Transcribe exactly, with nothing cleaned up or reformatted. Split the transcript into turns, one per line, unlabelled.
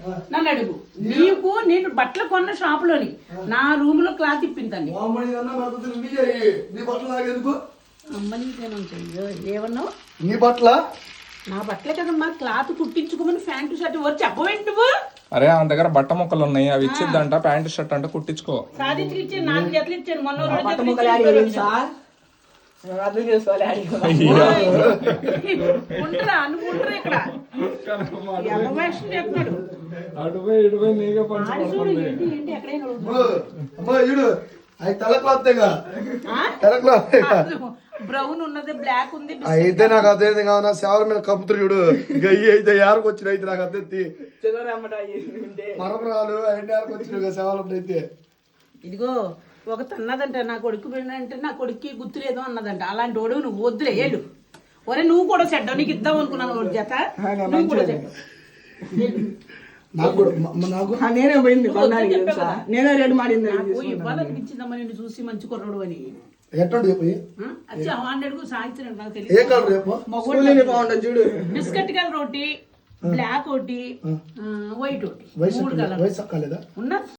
నన్ను అడుగు. నీకు నేను బట్టలు కొన్న షాప్ లోని నా రూమ్ లో క్లాత్ ఇప్పిందండి. ఏమన్నావు?
నీ బట్టల
నా బట్టలే కదమ్మా, క్లాత్ కుట్టించుకోమని ప్యాంటు షర్ట్ ఎవరు చెప్పవేంటి నువ్వు?
అరే ఆ దగ్గర బట్ట ముక్కలు ఉన్నాయి, అవి ఇచ్చిద్దంట, ప్యాంటు షర్ట్ అంటే కుట్టించుకో.
సాధించి ఇచ్చాను, నాలుగు జతలు ఇచ్చాను మొన్న. అనుకుంటారా ఇక్కడ బ్రౌన్ ఉన్నది, బ్లాక్ ఉంది.
అయితే నాకు అదే కావున సేవల మీద కప్పుతురు చూడు, గయ్యి అయితే యారకు వచ్చిన అయితే నాకు అద్దెత్తి మరమరాలు అయిన యారకు వచ్చిన సేవలప్పుడు అయితే.
ఇదిగో ఒక అన్నదంట, నా కొడుకు అంటే నా కొడుక్కి గుర్తులేదు అన్నదంట. అలాంటి వాడు నువ్వు వద్దులే ఏళ్ళు. ఒరే నువ్వు కూడా చెడ్డావు, నీకు ఇద్దాం అనుకున్నాను వాడు జత. నువ్వు కూడా
నేనే పోయింది, నేనే రెడీ మాడింది.
నాకు ఇవ్వాలనిపించిందమ్మా నిన్ను చూసి, మంచి కుర్రోడు అని. సాయంత్రం నాకు తెలియదు.
చూడు,
బిస్కెట్ కలర్ ఒకటి, బ్లాక్ ఒకటి, వైట్ ఒకటి, మూడు కలర్ ఉన్నా.